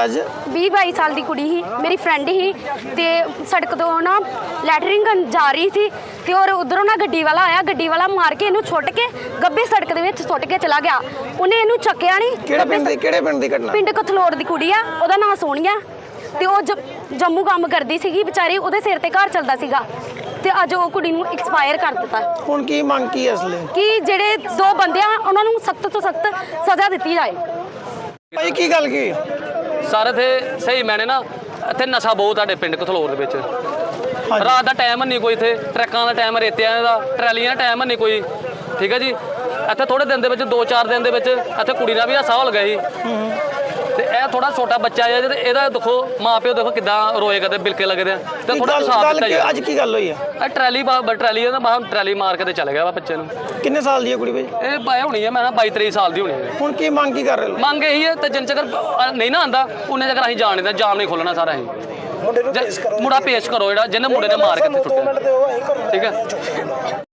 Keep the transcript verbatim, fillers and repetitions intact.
ਅੱਜ? ਵੀਹ ਬਾਈ ਸਾਲ ਦੀ ਕੁੜੀ ਸੀ, ਮੇਰੀ ਫਰੈਂਡ ਸੀ ਤੇ ਸੜਕ ਤੋਂ ਨਾ ਲੈਟਰਿੰਗ ਕਰਨ ਜਾ ਰਹੀ ਸੀ ਤੇ ਔਰ ਉਧਰੋਂ ਨਾ ਗੱਡੀ ਵਾਲਾ ਆਇਆ, ਗੱਡੀ ਵਾਲਾ ਮਾਰ ਕੇ ਇਹਨੂੰ ਛੁੱਟ ਕੇ ਗੱਬੇ ਸੜਕ ਦੇ ਵਿੱਚ ਸੁੱਟ ਕੇ ਚਲਾ ਗਿਆ। ਉਹਨੇ ਇਹਨੂੰ ਚੱਕਿਆ ਨਹੀਂ। ਕਿਹੜੇ ਪਿੰਡ ਦੀ ਕਿਹੜੇ ਪਿੰਡ ਦੀ ਘਟਨਾ? ਪਿੰਡ ਕਥਲੋੜ ਦੀ ਕੁੜੀ ਆ, ਉਹਦਾ ਨਾਂ ਸੋਹਣੀਆ ਤੇ ਉਹ ਜ- ਜੰਮੂ ਕੰਮ ਕਰਦੀ ਸੀਗੀ ਵਿਚਾਰੀ, ਉਹਦੇ ਸਿਰ ਤੇ ਘਰ ਚੱਲਦਾ ਸੀਗਾ ਤੇ ਅੱਜ ਉਹ ਕੁੜੀ ਨੂੰ ਐਕਸਪਾਇਰ ਕਰ ਦਿੱਤਾ। ਹੁਣ ਕੀ ਮੰਗ ਕੀ ਹੈ ਇਸ ਲਈ? ਕਿ ਜਿਹੜੇ ਦੋ ਬੰਦੇ ਆ ਉਹਨਾਂ ਨੂੰ ਸਖਤ ਤੋਂ ਸਖਤ ਸਜ਼ਾ ਦਿੱਤੀ ਜਾਏ। ਭਾਈ ਕੀ ਗੱਲ ਕੀ? ਸਾਰੇ ਇੱਥੇ ਸਹੀ ਮੈਨੇ ਨਾ ਇੱਥੇ ਨਸ਼ਾ ਬਹੁਤ ਤੁਹਾਡੇ ਪਿੰਡ ਕਥਲੋਰ ਦੇ ਵਿੱਚ। ਹਾਂਜੀ। ਰਾਤ ਦਾ ਟਾਈਮ ਨਹੀਂ ਕੋਈ, ਇੱਥੇ ਟਰੱਕਾਂ ਦਾ ਟਾਈਮ, ਰੇਤਿਆਂ ਦਾ, ਟਰਾਲੀਆਂ ਦਾ ਟਾਈਮ ਨਹੀਂ ਕੋਈ। ਠੀਕ ਹੈ ਜੀ, ਇੱਥੇ ਥੋੜੇ ਦਿਨ ਦੇ ਵਿੱਚ ਦੋ ਚਾਰ ਦਿਨ ਦੇ ਵਿੱਚ ਇੱਥੇ ਕੁੜੀ ਦਾ ਵੀ ਹਾਸਾ ਹੋ ਗਿਆ ਸੀ ਤੇ ਇਹ ਥੋੜਾ ਛੋਟਾ ਬੱਚਾ ਹੈ ਤੇ ਇਹਦਾ ਦੇਖੋ ਮਾਂ ਪਿਓ ਦੇਖੋ ਕਿੱਦਾਂ ਰੋਏ ਕਰਦੇ, ਬਿਲਕੇ ਲੱਗਦੇ ਆ ਤੇ ਥੋੜਾ ਸਾਫ ਗੱਲ ਦਿੱਤਾ ਕੀ- ਜਾਏ। ਅੱਜ ਕੀ ਗੱਲ ਹੋਈ ਹੈ? ਇਹ ਟਰਾਲੀ ਬਾ- ਟਰਾਲੀ ਦਾ ਬਾਹਰ ਟਰਾਲੀ ਮਾਰ ਕੇ ਤੇ ਚਲੇ ਗਿਆ ਵਾ ਬੱਚੇ ਨੂੰ। ਕਿੰਨੇ ਸਾਲ ਦੀ ਹੈ ਕੁੜੀ ਭਾਈ? ਇਹ ਬਾਏ ਹੋਣੀ ਹੈ, ਮੈਂ ਨਾ ਬਾਈ ਤੇਈ ਸਾਲ ਦੀ ਹੋਣੀ ਹੈ। ਹੁਣ ਕੀ ਮੰਗ ਕੀ ਕਰ ਰਹੇ ਹੋ? ਮੰਗ ਇਹੀ ਹੈ ਤੇ ਜਿੰਨ ਚਿਰ ਨਹੀਂ ਨਾ ਆਂਦਾ ਉਹਨੇ ਚਿਰ ਅਸੀਂ ਜਾਣ ਨਹੀਂ ਜਾਮ ਨਹੀਂ ਖੋਲਣਾ ਸਾਰਾ ਅਸੀਂ। ਮੁੰਡਾ ਪੇਸ਼ ਕਰੋ ਜਿਹੜਾ ਜਿਹਨੇ ਮੁੰਡੇ ਨੇ ਮਾਰ ਕੇ ਸੁੱਟਿਆ। ਠੀਕ ਹੈ।